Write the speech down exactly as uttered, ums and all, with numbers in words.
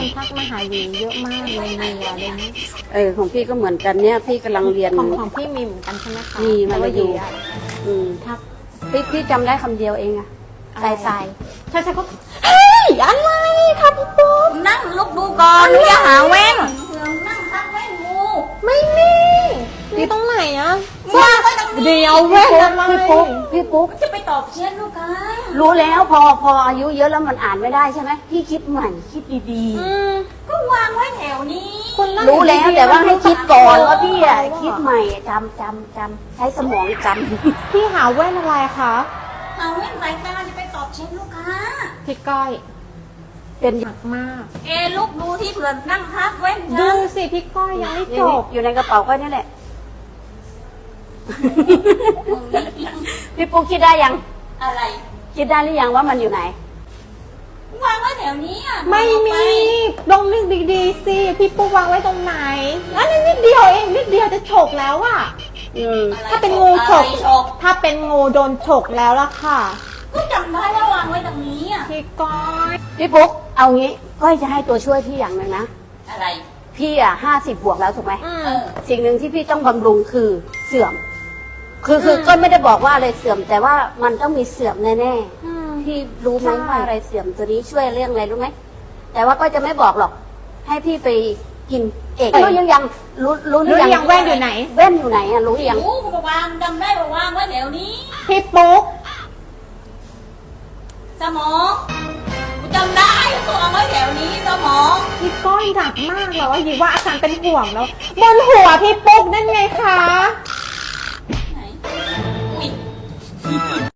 คนทักมาหาหญิงเยอะมากเลยเนี่ยอะไรนี้เออของพี่ก็เหมือนกันเนี่ยพี่กำลังเรียนของของพี่มีเหมือนกันใช่ไหมคะมีมันแต่ว่าอยู่หญิงอะอืมทักพี่พี่จำได้คำเดียวเองอะอะไรทรายทรายใช่ใช่ก็เฮ้ยอะไรคะพี่ปุ๊กนั่งลุกดูก่อนอย่าหาแว่นนั่งทักแว่นงูไม่มีนี่ตรงไหนอะวางไว้ตรงนี้เดี๋ยวแว่นอะไรพี่ปุ๊กพี่ปุ๊กจะไปตอบเชียนลูกค้ารู้แล้วพอพออายุเยอะแล้วมันอ่านไม่ได้ใช่ไหมพี่คิดใหม่คิดดีอืมก็วางไว้แถวนี้คนนั่งๆ รู้แล้วแต่ว่าให้คิดก่อนรู้ว่าพี่อะว่าคิดใหม่จำจำจำใช้สมองจำพี่หาแว่นอะไรคะหาแว่นสายตาจะไปตอบเชียนลูกค้าพี่ก้อยเป็นหนักมากเอลูกดูที่เผื่อนั่งทักแว่นดูนะสิพี่ก้อยยังไม่จบอยู่ในกระเป๋าก็นี่แหละ พี่ปุ๊กคิดได้ยังอะไรคิดได้หรือยังว่ามันอยู่ไหนวางไว้แถวนี้อ่ะไม่มีลองนึกดีๆสิพี่ปุ๊กวางไว้ตรงไหนอันนี้นิดเดียวเองนิดเดียวจะฉกแล้วอะอืมอะไรถ้าเป็นงูฉกอะไรฉกถ้าเป็นงูโดนฉกแล้วล่ะค่ะก็จำได้ว่าวางไว้ตรงนี้อ่ะพี่ก้อยพี่ปุ๊กเอางี้ก้อยจะให้ตัวช่วยพี่อย่างหนึ่งนะอะไรพี่อ่ะห้าสิบบวกแล้วถูกไหมอืเอมอสิ่งหนึ่งที่พี่ต้องบำรุงคือเสื่อม คือคืออืมก็ไม่ได้บอกว่าอะไรเสื่อม แต่ว่ามันต้องมีเสื่อมแน่อืมๆพี่รู้ไหมใช่ว่าอะไรเสื่อมตัวนี้ช่วยเรื่องอะไรรู้ไหมแต่ว่าก็จะไม่บอกหรอก ให้พี่ไปกินเองรู้ยังยังรู้รู้หรืรู้อหยัรือยังแว่นอยู่ไหนแว่นอยู่ไหนอ่ะรู้หรือยังรู้ก็วางจำได้ว่าวางไว้แถวนี้พี่ปุ๊กสมองกูจำได้ว่าวางไว้แถวนี้สมองพี่ก้อยหนักมากเลยว่าหญิงว่าอาจารย์เป็นห่วงแล้วบนหัวพี่ปุ๊กนั่นไงคะ